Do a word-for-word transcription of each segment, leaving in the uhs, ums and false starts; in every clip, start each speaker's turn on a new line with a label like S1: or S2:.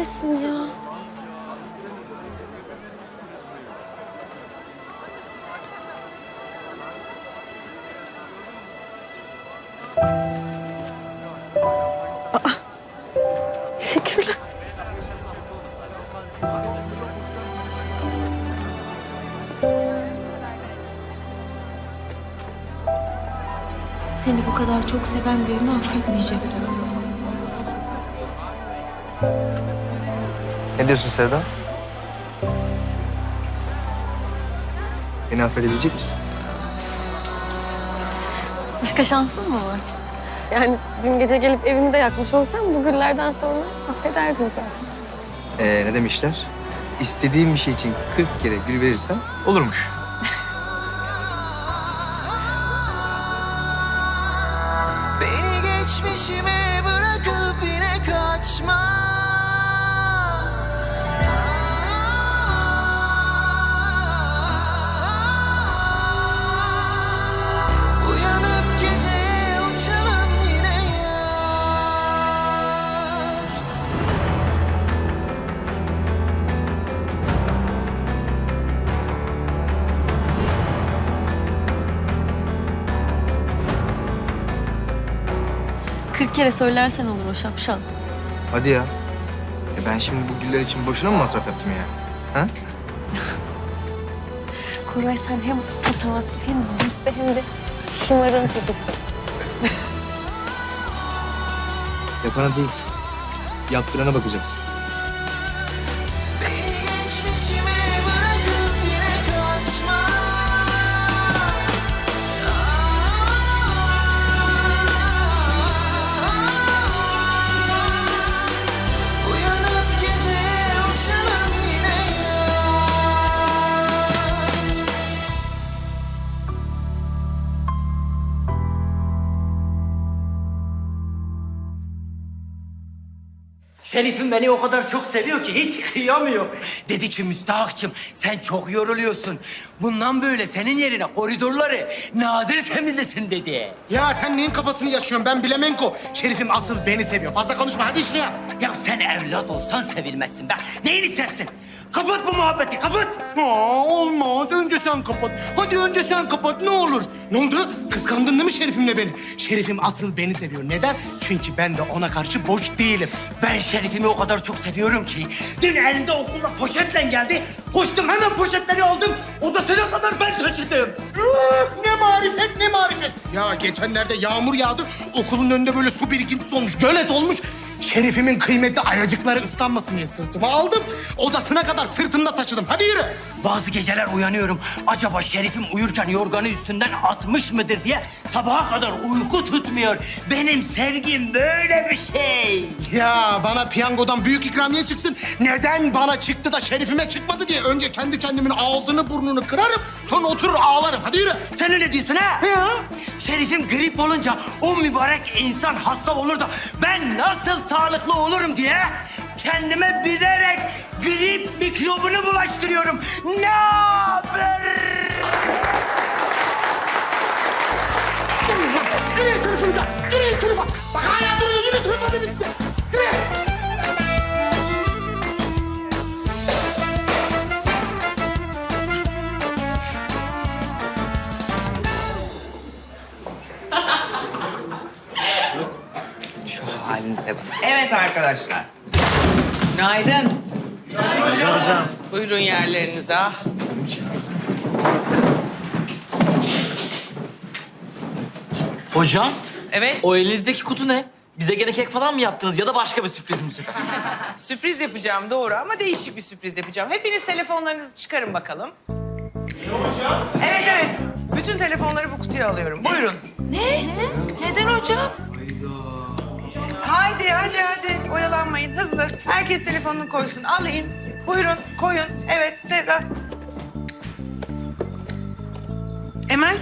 S1: neredesin ya? Aa, teşekkürler.
S2: Seni bu kadar çok seven birini affetmeyecek misin?
S3: Ne diyorsun Sevda? Beni affedebilecek misin?
S1: Başka şansın mı var? Yani dün gece gelip evimi de yakmış olsam bu güllerden sonra affederdim zaten.
S3: Ee, ne demişler? İstediğim bir şey için kırk kere gül verirsen olurmuş.
S4: Beni geçmişime bırakıp yine kaçma. Uyanıp geceye uçalım yine yar.
S1: Kırk kere söylersen olur o şapşal.
S3: Hadi ya. E ben şimdi bu güller için boşuna mı masraf yaptım ya? Ha?
S1: Koray sen hem patavatsız hem züppe hem de şımarın tekisin.
S3: Yapana değil, yaptırana bakacaksın.
S4: Beni geçmişime bırakıp yine kaçma. Uyanıp geceye uçalım yine yar.
S5: Şerif'im beni o kadar çok seviyor ki hiç kıyamıyor. Dedi ki müstahakçım sen çok yoruluyorsun. Bundan böyle senin yerine koridorları Nadir temizlesin dedi.
S6: Ya sen neyin kafasını yaşıyorsun? Ben Bilemenko. Şerifim asıl beni seviyor. Fazla konuşma hadi işine.
S5: Ya sen evlat olsan sevilmezsin be. Neyini sevsin? Kapat bu muhabbeti kapat.
S6: Aa, olmaz. Önce sen kapat. Hadi önce sen kapat ne olur. Ne oldu? Kıskandın değil mi Şerifimle beni? Şerifim asıl beni seviyor. Neden? Çünkü ben de ona karşı boş değilim.
S5: Ben Şerif'imi o kadar çok seviyorum ki dün elinde okulda poşetle geldi. Koştum hemen poşetleri aldım. Odasına kadar ben taşıdım.
S6: Ah, ne marifet ne marifet. Ya geçenlerde yağmur yağdı. Okulun önünde böyle su birikintisi olmuş. Gölet olmuş. Şerifimin kıymetli ayacıkları ıslanmasın diye sırtıma aldım. Odasına kadar sırtımda taşıdım. Hadi yürü.
S5: Bazı geceler uyanıyorum. Acaba Şerif'im uyurken yorganı üstünden atmış mıdır diye sabaha kadar uyku tutmuyor. Benim sevgim böyle bir şey.
S6: Ya bana piyangodan büyük ikramiye çıksın. Neden bana çıktı da Şerifime çıkmadı diye önce kendi kendimin ağzını burnunu kırarım. Sonra oturur ağlarım. Hadi yürü.
S5: Sen öyle diyorsun ha?
S6: Ya.
S5: Şerif'im grip olunca o mübarek insan hasta olur da ben nasıl sağlıklı olurum diye kendime bilerek grip mikrobunu bulaştırıyorum. Ne haber?
S6: Yürüyün sınıfınıza. Yürüyün sınıfa. Bak hala duruyor. Yürü sınıfa dedim size. Yürü.
S7: Şu halinize bak. Evet arkadaşlar. Günaydın. Günaydın hocam. Buyurun yerlerinize.
S8: Hocam,
S7: Evet,
S8: o elinizdeki kutu ne? Bize gene kek falan mı yaptınız ya da başka bir sürpriz mi?
S7: sürpriz yapacağım doğru ama değişik bir sürpriz yapacağım. Hepiniz telefonlarınızı çıkarın bakalım. hocam? Evet, evet. Bütün telefonları bu kutuya alıyorum. Buyurun.
S2: Ne? Neden hocam?
S7: Haydi, hadi, hadi. Oyalanmayın. Hızlı. Herkes telefonunu koysun. Alayım. Buyurun, koyun. Evet, Sevda. Emel.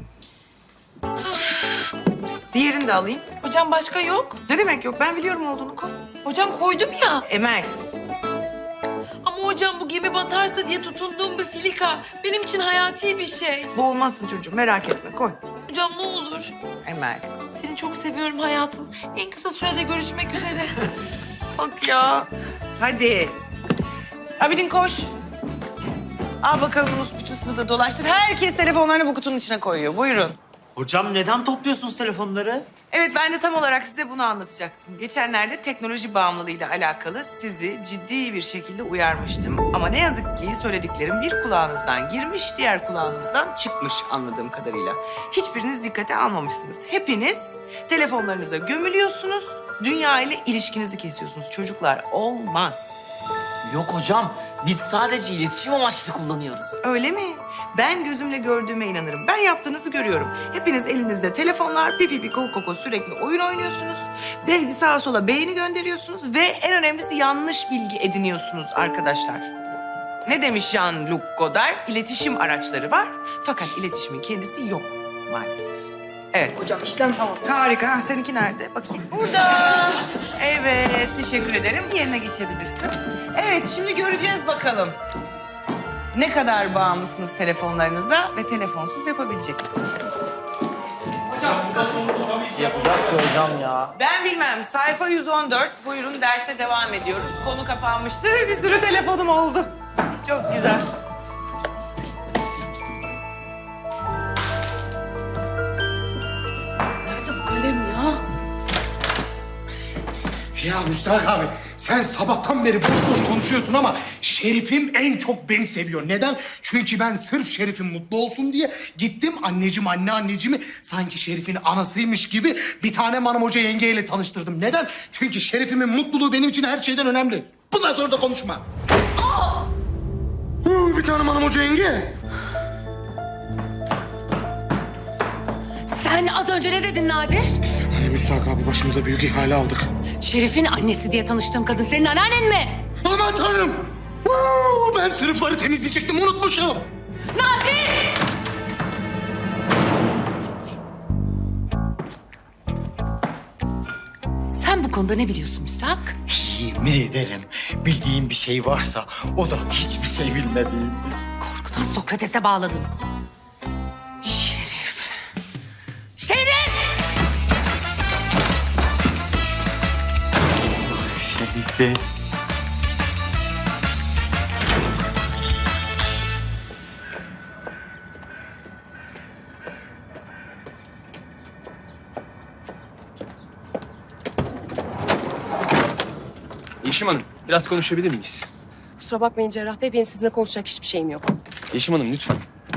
S7: Diğerini de alayım.
S2: Hocam başka yok.
S7: Ne demek yok? Ben biliyorum olduğunu. Koy.
S2: Hocam koydum ya.
S7: Emel.
S2: Ama hocam bu gemi batarsa diye tutunduğum bir filika benim için hayati bir şey.
S7: Boğulmazsın çocuğum. Merak etme. Koy.
S2: Hocam ne olur.
S7: Emel.
S2: Seni çok seviyorum hayatım. En kısa sürede görüşmek üzere.
S7: Bak ya. Hadi. Abidin koş. Al bakalım Yunus, bütün sınıfta dolaştır. Herkes telefonlarını bu kutunun içine koyuyor. Buyurun.
S8: Hocam neden topluyorsunuz telefonları?
S7: Evet, ben de tam olarak size bunu anlatacaktım. Geçenlerde teknoloji bağımlılığıyla alakalı sizi ciddi bir şekilde uyarmıştım. Ama ne yazık ki söylediklerim bir kulağınızdan girmiş, diğer kulağınızdan çıkmış anladığım kadarıyla. Hiçbiriniz dikkate almamışsınız. Hepiniz telefonlarınıza gömülüyorsunuz, dünya ile ilişkinizi kesiyorsunuz. Çocuklar, olmaz.
S8: Yok hocam. Biz sadece iletişim amaçlı kullanıyoruz.
S7: Öyle mi? Ben gözümle gördüğüme inanırım. Ben yaptığınızı görüyorum. Hepiniz elinizde telefonlar, pipi pipi koko koko sürekli oyun oynuyorsunuz. Be sağa sola beğeni gönderiyorsunuz ve en önemlisi yanlış bilgi ediniyorsunuz arkadaşlar. Ne demiş Jean-Luc Godard? İletişim araçları var fakat iletişimin kendisi yok maalesef. Evet. Hocam işlem tamam. Harika. Ha, seninki nerede? Bakayım. Burada. Evet, teşekkür ederim. Yerine geçebilirsin. Evet, şimdi göreceğiz bakalım. Ne kadar bağımlısınız telefonlarınıza ve telefonsuz yapabilecek misiniz?
S8: Yapacağız ki hocam ya.
S7: Ben bilmem. Sayfa yüz on dört. Buyurun, derse devam ediyoruz. Konu kapanmıştır ve bir sürü telefonum oldu. Çok güzel.
S2: Nerede bu kalem ya?
S6: Ya Müstahak abi, sen sabahtan beri boş boş konuşuyorsun ama Şerif'im en çok beni seviyor. Neden? Çünkü ben sırf Şerif'im mutlu olsun diye gittim anneciğim, anne anneciğimi sanki Şerif'in anasıymış gibi bir tane hanım hoca yengeyle tanıştırdım. Neden? Çünkü Şerif'imin mutluluğu benim için her şeyden önemli. Bundan sonra da konuşma. Huu, bir tane hanım hoca yenge.
S9: Sen az önce ne dedin Nadir?
S6: Ay, Müstahak abi, başımıza büyük ihale aldık.
S9: Şerif'in annesi diye tanıştığım kadın senin anneannen mi?
S6: Aman tanrım! Huu, ben sınıfları temizleyecektim, unutmuşum.
S9: Nadir! Sen bu konuda ne biliyorsun Müstahak?
S5: Yemin ederim bildiğim bir şey varsa o da hiçbir şey bilmediğim.
S9: Korkudan Sokrates'e bağladın. Şerif. Şerif!
S5: Şerife.
S10: Yeşim Hanım, biraz konuşabilir miyiz?
S1: Kusura bakmayın Cerrah Bey, benim sizinle konuşacak hiçbir şeyim yok.
S10: Yeşim Hanım lütfen.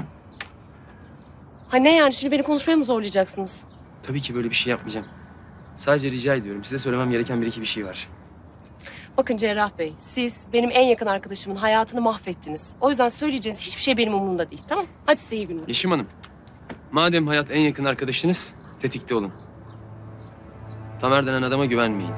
S1: Ha ne yani, şimdi beni konuşmaya mı zorlayacaksınız?
S10: Tabii ki böyle bir şey yapmayacağım. Sadece rica ediyorum. Size söylemem gereken bir iki bir şey var.
S1: Bakın Cerrah Bey, siz benim en yakın arkadaşımın hayatını mahvettiniz. O yüzden söyleyeceğiniz hiçbir şey benim umurumda değil, tamam? Hadi size iyi günler.
S10: Yeşim Hanım, madem hayat en yakın arkadaşınız, tetikte olun. Tamer denen adama güvenmeyin.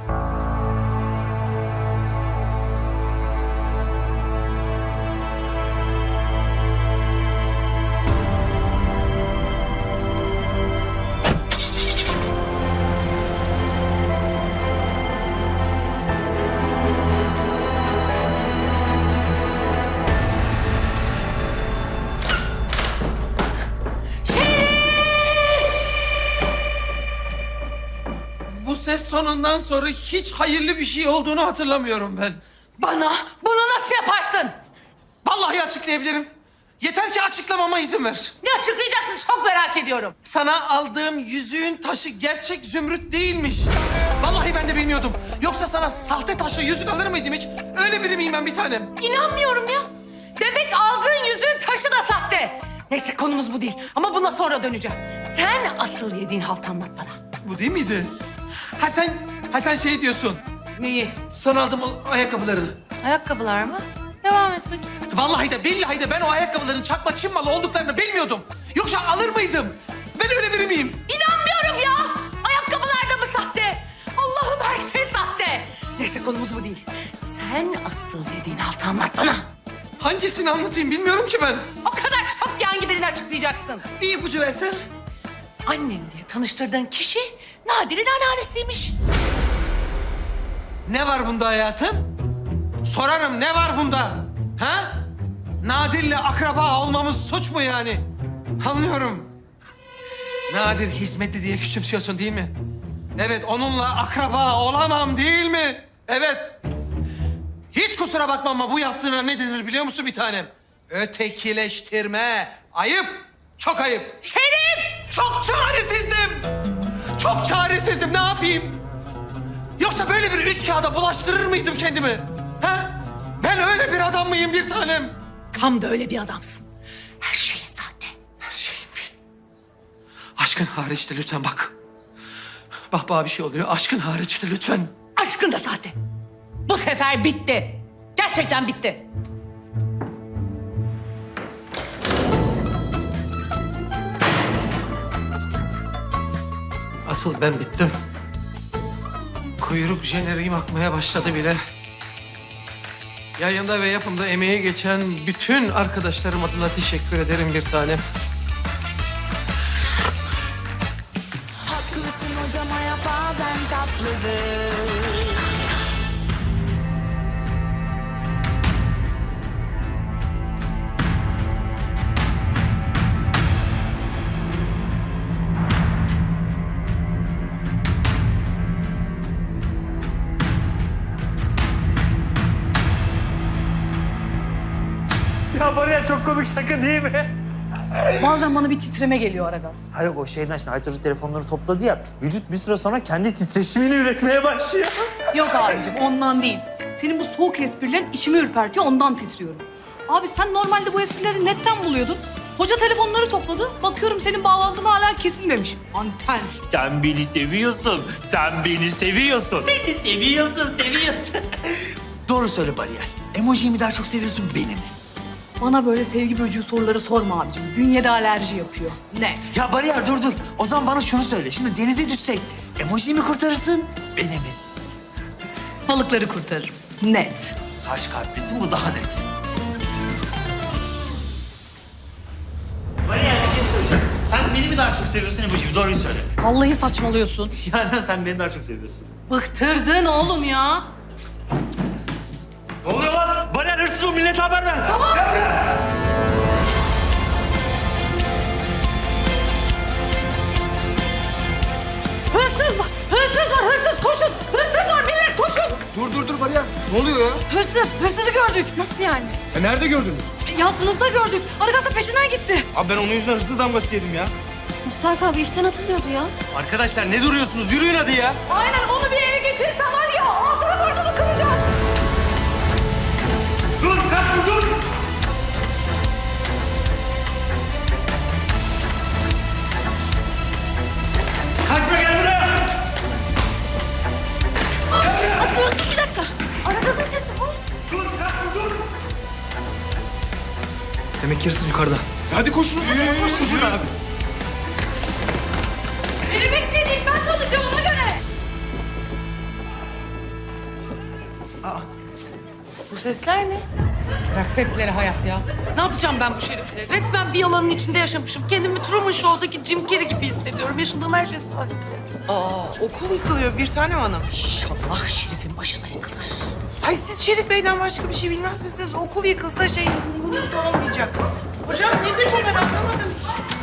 S11: Bu ses tonundan sonra hiç hayırlı bir şey olduğunu hatırlamıyorum ben.
S9: Bana bunu nasıl yaparsın?
S11: Vallahi açıklayabilirim. Yeter ki açıklamama izin ver.
S9: Ne açıklayacaksın çok merak ediyorum.
S11: Sana aldığım yüzüğün taşı gerçek zümrüt değilmiş. Vallahi ben de bilmiyordum. Yoksa sana sahte taşla yüzük alır mıydım hiç? Öyle biri miyim ben bir tanem?
S9: İnanmıyorum ya. Demek aldığın yüzüğün taşı da sahte. Neyse konumuz bu değil ama buna sonra döneceğim. Sen asıl yediğin halt anlat bana.
S11: Bu değil miydi? Ha sen, ha sen şey diyorsun.
S9: Neyi?
S11: Sana aldım o ayakkabıları.
S9: Ayakkabılar mı? Devam et bakayım.
S11: Vallahi de billahi de ben o ayakkabıların çakma Çin malı olduklarını bilmiyordum. Yoksa alır mıydım? Ben öyle biri miyim?
S9: İnanmıyorum ya. Ayakkabılar da mı sahte? Allah'ım her şey sahte. Neyse konumuz bu değil. Sen asıl yediğin haltı anlat bana.
S11: Hangisini anlatayım bilmiyorum ki ben.
S9: O kadar çok ki hangi birini açıklayacaksın?
S11: Bir ipucu versen.
S9: Annem diye tanıştırdığın kişi Nadir'in anneannesiymiş.
S11: Ne var bunda hayatım? Sorarım ne var bunda? Ha? Nadir'le akraba olmamız suç mu yani? Anlıyorum. Nadir hizmetli diye küçümsüyorsun değil mi? Evet onunla akraba olamam değil mi? Evet. kusura bakma ama bu yaptığına ne denir biliyor musun bir tanem? Ötekileştirme. Ayıp. Çok ayıp.
S9: Şerif!
S11: Çok çaresizdim. Çok çaresizdim. Ne yapayım? Yoksa böyle bir üç kağıda bulaştırır mıydım kendimi? Ha? Ben öyle bir adam mıyım bir tanem?
S9: Tam da öyle bir adamsın. Her şeyin sahte.
S11: Her şeyim bir. Aşkın hariçte lütfen bak. Bak bana bir şey oluyor. Aşkın hariçte lütfen.
S9: Aşkın da sahte. Bu sefer bitti. Gerçekten bitti.
S11: Asıl ben bittim. Kuyruk jeneriğim akmaya başladı bile. Yayında ve yapımda emeği geçen bütün arkadaşlarım adına teşekkür ederim bir tanem.
S4: Haklısın hocam, hayat bazen tatlıdır.
S5: Ya Bariyer çok komik şaka değil mi?
S9: Bazen bana bir titreme geliyor Aragaz.
S5: Hayır o şeyden işte Aytaç telefonları topladı ya. Vücut bir süre sonra kendi titreşimini üretmeye başlıyor.
S9: Yok abicim ondan değil. Senin bu soğuk esprilerin içimi ürpertiyor, ondan titriyorum. Abi sen normalde bu esprileri netten buluyordun. Hoca telefonları topladı. Bakıyorum senin bağlantın hala kesilmemiş. Anten.
S5: Sen beni seviyorsun. Sen beni seviyorsun. Beni seviyorsun, seviyorsun. Doğru söyle Bariyer. Emojiyi mi daha çok seviyorsun beni mi?
S9: Bana böyle sevgi böcüğü soruları sorma abicim. Bünyede alerji yapıyor. Net.
S5: Ya Bariyer dur dur. O zaman bana şunu söyle. Şimdi denize düşsek emojiyi mi kurtarırsın beni mi?
S9: Balıkları kurtarırım. Net.
S5: Karşı kalplisin bu daha net. Bariyer bir şey söyleyeceğim. Sen beni mi daha çok seviyorsun emojiyi mi? Doğruyu söyle.
S9: Vallahi saçmalıyorsun.
S5: Yani sen beni daha çok seviyorsun.
S9: Bıktırdın oğlum ya.
S5: Ne oluyor lan? Bariyer hırsız ol, millete haber ver.
S9: Tamam. Hırsız var, hırsız var, hırsız koşun. Hırsız var millet koşun.
S3: Dur dur dur Bariyer. Ne oluyor ya?
S9: Hırsız, hırsızı gördük. Nasıl yani?
S6: E nerede gördünüz?
S9: Ya sınıfta gördük. Aragaz da peşinden gitti.
S6: Abi ben onun yüzünden hırsız damgası yedim ya.
S1: Mustark abi işten atılıyordu ya.
S6: Arkadaşlar ne duruyorsunuz? Yürüyün hadi ya.
S9: Aynen onu bir ele geçirirsen var ya ağzını burnunu kıracağım.
S5: Dur kaçma dur. Kaçma gel buraya.
S1: Aa, dur, dur, bir dakika. Aragaz'ın sesi bu.
S5: Dur kaçma dur.
S3: Demek ki hırsız yukarıda.
S6: Hadi koşunuz. Yürü yürü yürü. Koşun abi.
S9: Beni bekleyin ben kalacağım ona göre.
S7: Bu sesler ne?
S9: Bırak sesleri hayat ya. Ne yapacağım ben bu şerifle? Resmen bir yalanın içinde yaşamışım. Kendimi Truman Show'daki Jim Carrey gibi hissediyorum. Yaşadığım her şey sahte.
S7: Aa, okul yıkılıyor bir tanem hanım.
S9: İnşallah şerifin başına yıkılır.
S7: Ay siz Şerif Bey'den başka bir şey bilmez misiniz? Okul yıkılsa şey umurunuzda olmayacak. Hocam nedir bu ben anlamadım.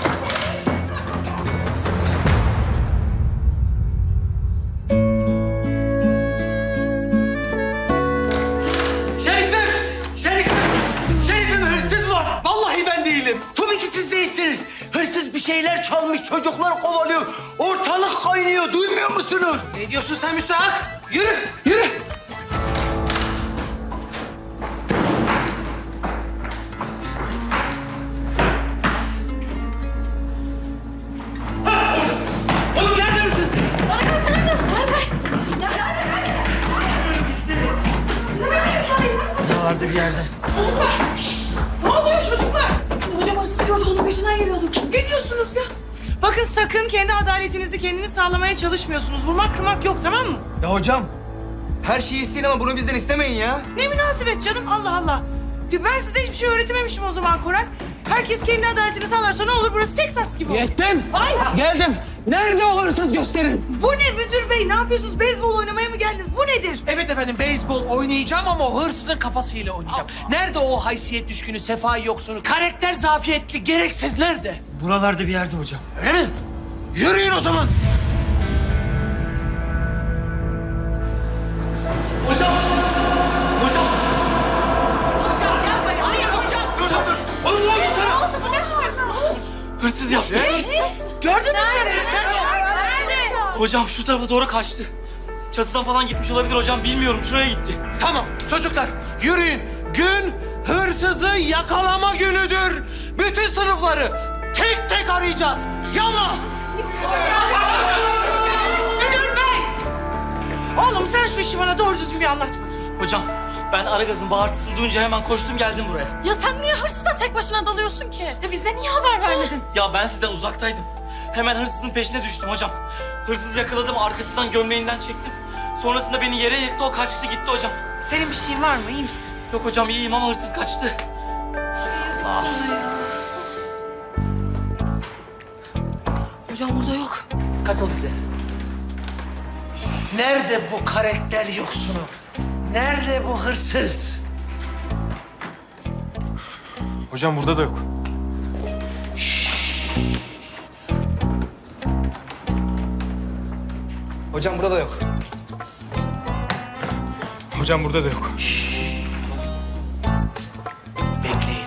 S5: Şerifim! Şerifim! Şerifim hırsız var. Vallahi ben değilim. Tabii ki siz değilsiniz. Hırsız bir şeyler çalmış, çocuklar kovalıyor. Ortalık kaynıyor, duymuyor musunuz?
S11: Ne diyorsun sen müstahak? Yürü, yürü.
S5: Oğlum nerede hırsız? Buralarda bir yerde.
S7: Ne oluyor çocuklar?
S9: Hocam hırsız gördü onun peşinden geliyorduk.
S7: Ne diyorsunuz ya? Bakın sakın kendi adaletinizi kendiniz sağlamaya çalışmıyorsunuz. Vurmak kırmak yok tamam mı?
S3: Ya hocam, her şeyi isteyin ama bunu bizden istemeyin ya.
S7: Ne münasebet canım Allah Allah. Ben size hiçbir şey öğretememişim o zaman Koray. Herkes kendi adaletini sağlarsa ne olur burası Teksas gibi olur.
S11: Yettim. Geldim. Nerede o hırsız gösterin.
S7: Bu ne müdür bey? Ne yapıyorsunuz? Beyzbol oynamaya mı geldiniz? Bu nedir?
S11: Evet efendim beyzbol oynayacağım ama o hırsızın kafasıyla oynayacağım. Nerede o haysiyet düşkünü, sefai yoksunu, karakter zafiyetli, gereksiz nerede?
S5: Buralarda bir yerde hocam.
S11: Öyle mi? Yürüyün o zaman.
S5: Hocam! Hocam!
S8: Hocam şu tarafa doğru kaçtı. Çatıdan falan gitmiş olabilir hocam. Bilmiyorum. Şuraya gitti.
S11: Tamam çocuklar yürüyün. Gün hırsızı yakalama günüdür. Bütün sınıfları tek tek arayacağız. Yallah!
S7: Müdür bey! Oğlum sen şu işi bana doğru düzgün bir anlat bakayım.
S8: Hocam ben Aragaz'ın bağırtısını duyunca hemen koştum geldim buraya.
S2: Ya sen niye hırsızla tek başına dalıyorsun ki? Ya bize niye haber vermedin?
S8: Ya ben sizden uzaktaydım. Hemen hırsızın peşine düştüm hocam. Hırsızı yakaladım, arkasından gömleğinden çektim. Sonrasında beni yere yıktı, o kaçtı gitti hocam.
S7: Senin bir şeyin var mı? İyi misin?
S8: Yok hocam iyiyim ama hırsız kaçtı.
S2: Hocam burada yok.
S11: Katıl bize. Nerede bu karakter yoksunu? Nerede bu hırsız?
S10: Hocam burada da yok.
S3: Hocam burada da yok.
S10: Hocam burada da yok.
S11: Bekleyin.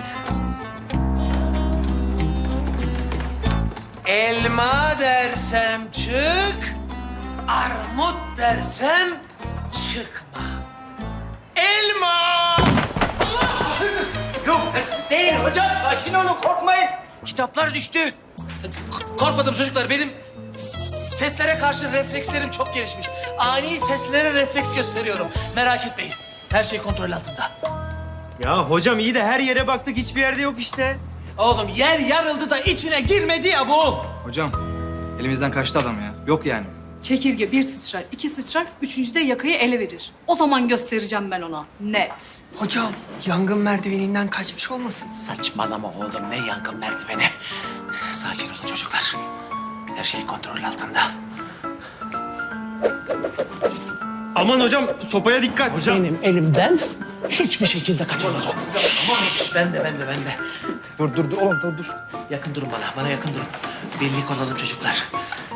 S11: Elma dersem çık, armut dersem çıkma. Elma! Allah! Hırsız!
S5: Yok hırsız değil hocam. Sakin olun korkmayın. Kitaplar düştü.
S11: Korkmadım çocuklar. Benim seslere karşı reflekslerim çok gelişmiş. Ani seslere refleks gösteriyorum. Merak etmeyin. Her şey kontrol altında.
S5: Ya hocam iyi de her yere baktık hiçbir yerde yok işte.
S11: Oğlum yer yarıldı da içine girmedi ya bu.
S3: Hocam elimizden kaçtı adam ya. Yok yani.
S9: Çekirge bir sıçrar, iki sıçrar, üçüncüde yakayı ele verir. O zaman göstereceğim ben ona. Net.
S11: Hocam yangın merdiveninden kaçmış olmasın? Saçmalama oğlum ne yangın merdiveni. Sakin olun çocuklar. Her şey kontrol altında.
S5: Aman hocam sopaya dikkat. Hocam.
S11: Benim elimden hiçbir şekilde kaçamaz o. Ben de ben de ben de.
S3: Dur dur dur oğlum dur dur.
S11: Yakın durun bana, bana yakın durun. Birlik olalım çocuklar.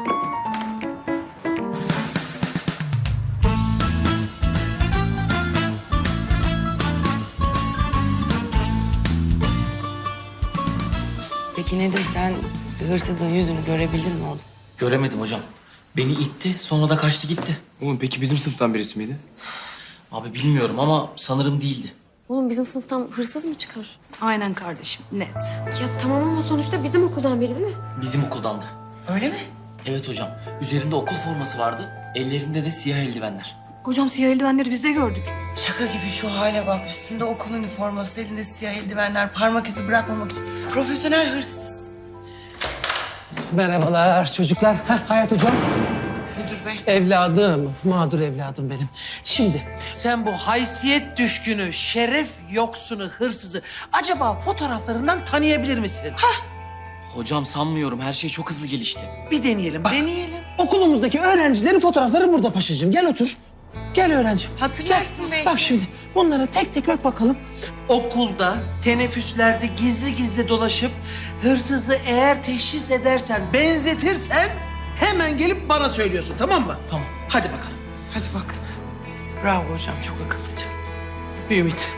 S7: Peki Nedim sen hırsızın yüzünü görebildin mi oğlum?
S8: Göremedim hocam. Beni itti, sonra da kaçtı gitti.
S10: Oğlum peki bizim sınıftan birisi miydi?
S8: Abi bilmiyorum ama sanırım değildi.
S1: Oğlum bizim sınıftan hırsız mı çıkar?
S9: Aynen kardeşim, net.
S1: Ya tamam ama sonuçta bizim okuldan biri değil mi?
S8: Bizim okuldandı.
S7: Öyle mi?
S8: Evet hocam. Üzerinde okul forması vardı. Ellerinde de siyah eldivenler.
S9: Hocam siyah eldivenleri biz de gördük.
S7: Şaka gibi şu hale bak. Üstünde okul üniforması, elinde siyah eldivenler, parmak izi bırakmamak için. Profesyonel hırsız.
S12: Merhabalar çocuklar. Heh, Hayat hocam.
S7: Müdür bey.
S12: Evladım, mağdur evladım benim. Şimdi
S11: Sen bu haysiyet düşkünü, şeref yoksunu, hırsızı acaba fotoğraflarından tanıyabilir misin? Hah,
S8: Hocam sanmıyorum. Her şey çok hızlı gelişti.
S11: bir deneyelim bak.
S7: Deneyelim.
S12: okulumuzdaki öğrencilerin fotoğrafları burada paşacığım. Gel otur. Gel öğrencim.
S7: Hatırlarsın
S12: Gel.
S7: belki.
S12: Bak şimdi bunlara tek tek bak bakalım.
S11: Okulda, teneffüslerde gizli gizli dolaşıp hırsızı eğer teşhis edersen, benzetirsen hemen gelip bana söylüyorsun tamam mı?
S8: Tamam.
S11: Hadi bakalım.
S7: Hadi bak. Bravo hocam çok akıllıca.
S11: Bir ümit.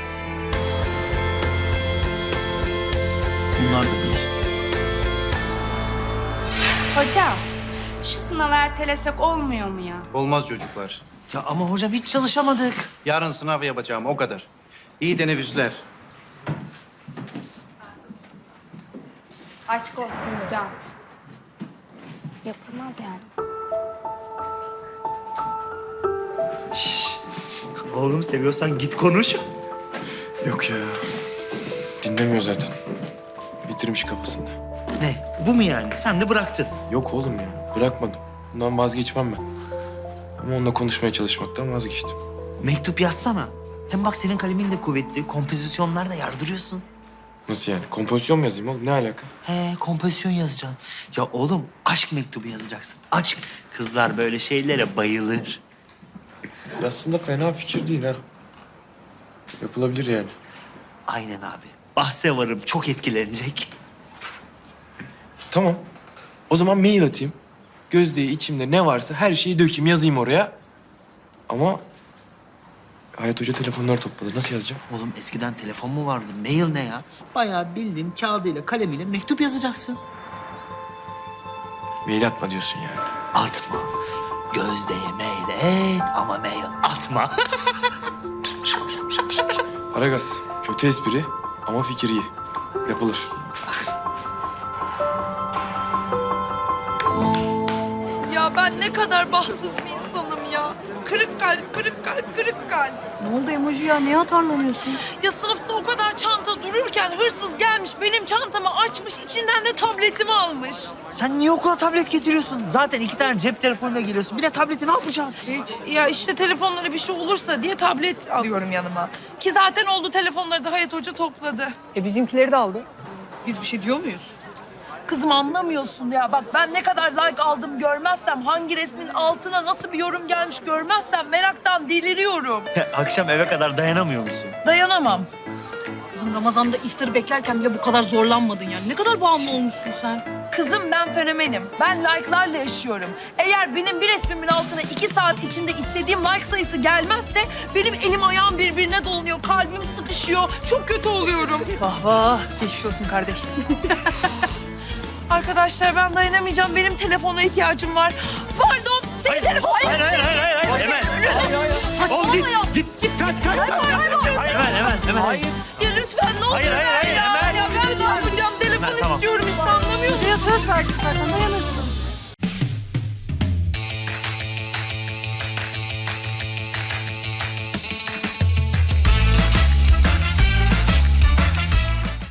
S8: Bunlar da değil.
S13: Hocam, şu sınavı ertelesek olmuyor mu ya?
S14: Olmaz çocuklar.
S11: Ya ama hocam hiç çalışamadık.
S14: Yarın sınav yapacağım o kadar. İyi teneffüsler.
S13: Aşk olsun hocam. Yapılmaz yani.
S5: Oğlum seviyorsan git konuş.
S10: Yok ya. Dinlemiyor zaten. Bitirmiş kafasında.
S5: Ne? Bu mu yani? Sen de bıraktın.
S10: Yok oğlum ya. Bırakmadım. Bundan vazgeçmem ben. Ama onunla konuşmaya çalışmaktan vazgeçtim.
S5: Mektup yazsana. Hem bak senin kalemin de kuvvetli. Kompozisyonlar da yardırıyorsun.
S10: Nasıl yani? Kompozisyon mu yazayım oğlum? Ne alaka?
S5: He, kompozisyon yazacaksın. Ya oğlum aşk mektubu yazacaksın. Aşk. Kızlar böyle şeylere bayılır.
S10: Aslında fena fikir değil ha. Yapılabilir yani.
S5: Aynen abi. Bahse varım çok etkilenecek.
S10: Tamam. O zaman mail atayım. Gözde'ye içimde ne varsa her şeyi dökeyim, yazayım oraya. Ama Hayat Hoca telefonları topladı. Nasıl yazacağım?
S5: Oğlum eskiden telefon mu vardı? Mail ne ya? Bayağı bildiğin kağıdıyla kalemiyle mektup yazacaksın.
S10: Mail atma diyorsun yani.
S5: atma. Gözdeye mail et ama mail atma.
S10: Aragaz, kötü espri ama fikir iyi. Yapılır.
S2: Ya ben ne kadar bahtsız bir insanım ya. Kırık kalp, kırık kalp, kırık kalp.
S9: Ne oldu emoji ya? Niye atarlanıyorsun?
S2: Ya sınıfta o kadar çanta dururken hırsız gelmiş, benim çantamı açmış, içinden de tabletimi almış.
S5: Sen niye okula tablet getiriyorsun? Zaten iki tane cep telefonuyla geliyorsun. Bir de tableti ne yapacaksın?
S2: Hiç. Ya işte telefonlara bir şey olursa diye tablet alıyorum yanıma. Ki zaten oldu, telefonları da Hayat Hoca topladı.
S5: E bizimkileri de aldı.
S2: Biz bir şey diyor muyuz? Kızım anlamıyorsun ya. Bak ben ne kadar like aldım görmezsem, hangi resmin altına nasıl bir yorum gelmiş görmezsem meraktan deliriyorum.
S5: Akşam eve kadar dayanamıyor musun?
S2: Dayanamam.
S9: Kızım Ramazan'da iftarı beklerken bile bu kadar zorlanmadın yani. Ne kadar bağımlı olmuşsun sen.
S2: Kızım ben fenomenim. Ben like'larla yaşıyorum. Eğer benim bir resmimin altına iki saat içinde istediğim like sayısı gelmezse benim elim ayağım birbirine dolanıyor. Kalbim sıkışıyor. Çok kötü oluyorum.
S5: Vah vah. Geçmiş olsun kardeşim.
S2: Arkadaşlar ben dayanamayacağım. Benim telefona ihtiyacım var. Pardon. Senin telefon...
S5: Hayır hayır hayır hayır. hayır. Hemen. Oğlum git, git git kaç kaç.
S2: Hayır, hayır, hayır.
S5: Hayır hemen hemen hemen. Hayır.
S2: Ya lütfen ne olur
S5: Hayır, hayır,
S2: ver
S5: hayır,
S2: ya.
S5: hemen.
S2: Ya ben ne yapacağım? Telefon
S5: Hemen, tamam.
S2: istiyorum işte, anlamıyorsun.
S9: Hocaya söz verdik zaten. Dayanırsın.